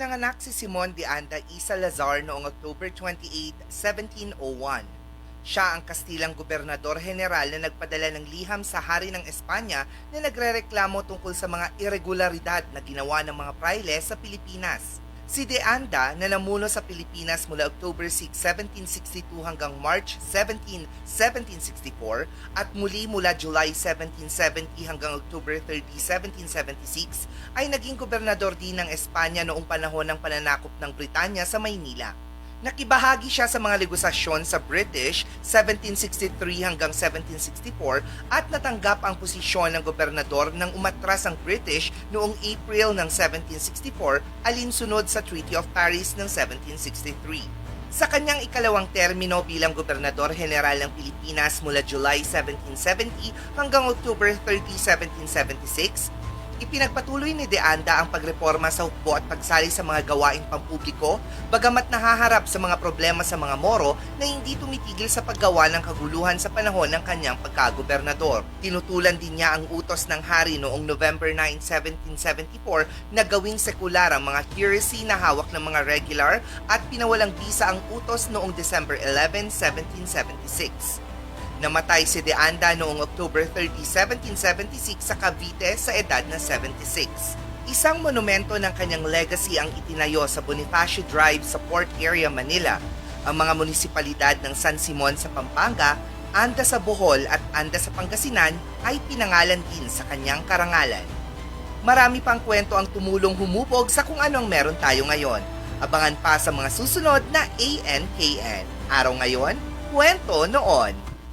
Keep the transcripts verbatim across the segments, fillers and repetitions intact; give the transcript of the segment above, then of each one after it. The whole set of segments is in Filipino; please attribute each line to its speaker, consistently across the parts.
Speaker 1: Ipinanganak si Simon de Anda y Salazar noong October twenty-eighth, seventeen oh one. Siya ang Kastilang Gobernador General na nagpadala ng liham sa Hari ng Espanya na nagrereklamo tungkol sa mga irregularidad na ginawa ng mga praile sa Pilipinas. Si De Anda na namuno sa Pilipinas mula October sixth, seventeen sixty-two hanggang March seventeenth, seventeen sixty-four at muli mula July seventeenth seventy hanggang October thirtieth, seventeen seventy-six ay naging gobernador din ng Espanya noong panahon ng pananakop ng Britanya sa Maynila. Nakibahagi siya sa mga negosasyon sa British seventeen sixty-three hanggang seventeen sixty-four at natanggap ang posisyon ng gobernador nang umatras ang British noong April ng seventeen sixty-four alinsunod sa Treaty of Paris ng seventeen sixty-three. Sa kanyang ikalawang termino bilang Gobernador General ng Pilipinas mula July seventeen seventy hanggang October thirtieth, seventeen seventy-six, ipinagpatuloy ni De Anda ang pagreforma sa hukbo at pagsali sa mga gawaing pampubliko, bagamat nahaharap sa mga problema sa mga Moro na hindi tumitigil sa paggawa ng kaguluhan sa panahon ng kanyang pagkagobernador. Tinutulan din niya ang utos ng hari noong November ninth, seventeen seventy-four na gawing sekular ang mga curacy na hawak ng mga regular at pinawalang bisa ang utos noong December eleventh, seventeen seventy-six. Namatay si De Anda noong October thirtieth, seventeen seventy-six sa Cavite sa edad na seventy-six. Isang monumento ng kanyang legacy ang itinayo sa Bonifacio Drive sa Port Area, Manila. Ang mga munisipalidad ng San Simon sa Pampanga, Anda sa Bohol at Anda sa Pangasinan ay pinangalan din sa kanyang karangalan. Marami pang kwento ang tumulong humubog sa kung anong meron tayo ngayon. Abangan pa sa mga susunod na A N K N. Araw ngayon, kwento noon.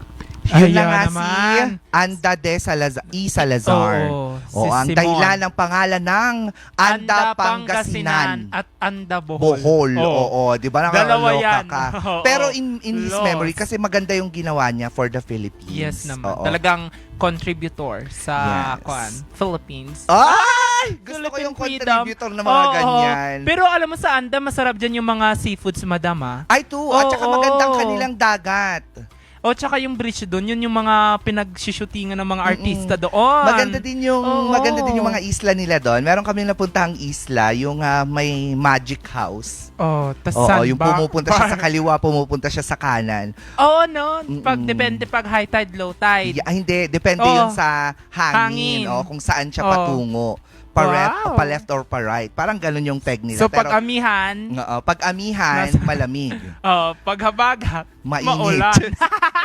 Speaker 1: Yun na nga si Anda de Salazar, y Salazar.
Speaker 2: Oo,
Speaker 1: o
Speaker 2: si
Speaker 1: ang
Speaker 2: Simon.
Speaker 1: dahilan ng pangalan ng Anda, Pangasinan.
Speaker 2: at Anda Bohol.
Speaker 1: Bohol,
Speaker 2: Oo.
Speaker 1: oo. Di ba
Speaker 2: Dalawa
Speaker 1: nakakaloka
Speaker 2: yan.
Speaker 1: ka?
Speaker 2: Oo.
Speaker 1: Pero in, in his
Speaker 2: Lost.
Speaker 1: memory, kasi maganda yung ginawa niya for the Philippines.
Speaker 2: Yes naman.
Speaker 1: Oo.
Speaker 2: Talagang contributor sa
Speaker 1: Yes.
Speaker 2: kuan, Philippines.
Speaker 1: Ay! Gusto ko
Speaker 2: Philippine
Speaker 1: yung
Speaker 2: freedom.
Speaker 1: contributor na mga
Speaker 2: Oo.
Speaker 1: ganyan.
Speaker 2: Pero alam mo sa Anda, masarap dyan yung mga seafoods, madam, ah.
Speaker 1: Ay, to. At saka
Speaker 2: Oo.
Speaker 1: magandang kanilang dagat.
Speaker 2: O, tsaka yung bridge doon, yun yung mga pinag-shootingan ng mga
Speaker 1: Mm-mm.
Speaker 2: artista doon.
Speaker 1: Maganda din yung
Speaker 2: Oo.
Speaker 1: maganda din yung mga isla nila doon. Meron kami napuntahang isla, yung ah, may magic house.
Speaker 2: Oh, tas
Speaker 1: Oo,
Speaker 2: sandbar.
Speaker 1: yung pumupunta siya sa kaliwa, pumupunta siya sa kanan.
Speaker 2: Oo, no. Pag
Speaker 1: Mm-mm.
Speaker 2: depende pag high tide, low tide.
Speaker 1: Yeah, hindi, depende
Speaker 2: Oo.
Speaker 1: yun sa hangin,
Speaker 2: Hangin.
Speaker 1: o kung saan siya
Speaker 2: Oo.
Speaker 1: patungo. Pa, left,
Speaker 2: Wow.
Speaker 1: pa left or pa right. Parang ganun yung peg nila.
Speaker 2: So,
Speaker 1: Pero,
Speaker 2: pag amihan,
Speaker 1: oo, pag amihan,
Speaker 2: Nasa-
Speaker 1: malamig.
Speaker 2: oh, pag habagat,
Speaker 1: Mainit.
Speaker 2: maulan.